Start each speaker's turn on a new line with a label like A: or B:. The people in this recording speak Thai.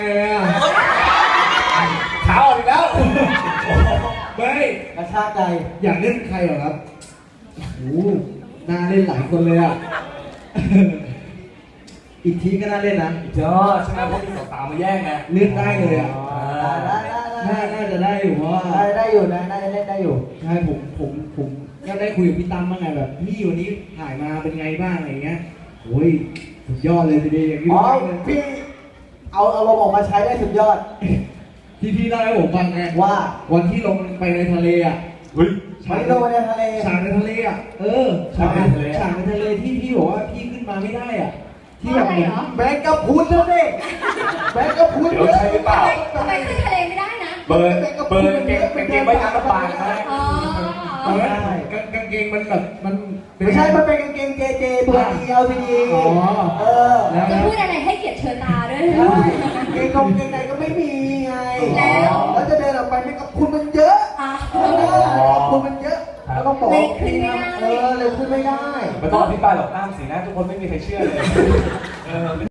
A: ขาอ่อนอีกแล้วไม่
B: กระชากใจ
A: อยากเล่นใครเหรอครับโอ้น่าเล่นหลายคนเลยอ่ะอีกทีก็น่าเล่นนะ
C: เจ้าใช่ไหมเพราะมีสาวๆมาแย่งไง
A: เลือกได้เลยอ่ะ
B: ได้
A: น่าจะได้อยู่เพราะว่า
B: ได้อยู่นะน่าจะเล่นได้อยู่
A: ใช่ผมก็ได้คุยกับพี่ตั้มบ้างไงแบบพี่วันนี้ถ่ายมาเป็นไงบ้างอะไรเงี้ยโอ้ยสุดยอดเลยทีเดียวอย่างนี้
B: พี่เอาลมออกมาใช้ได้สุดยอด
A: พี่เล่าให้ผมฟังไง
B: ว่า
A: วันที่ลงไปในทะเลอ่ะ
B: ไม่ลงไปในทะเล
A: ฉากในทะเลอ่ะฉากในทะเลที่พี่บอกว่าพี่ขึ้นมาไม่ได้อ่ะที่แบบ
B: แบงกระพุ้นแล้วดิแบงกระพุ้น
C: เดี๋ยวใช่หรือเปล่า
D: ทำไมขึ้นทะเลไม่ได้นะ
C: เบิร์นเก่งไม่ทำน้ำปลาใช่ไหม
A: กางเกงมันแบบมัน
B: ไม่ใช่มันเป็นกางเกงเจเบอร์ดีเอาทีดี
D: จะพูดอะไรให้เกียรติเชิญตาด้วย
B: เกงในก็ไม่มีไงแล้วจะเดินออกไปแบงกระพุ้นมันเยอะพุ้นมันเยอะแล้วต้องบอก
D: เลยขึ้นไม่ได้
B: เลยขึ้นไม่ได้
C: ไม่ต้องอธิบายหรอกหน้าสีหน้าทุกคนไม่มีใครเชื่อเลย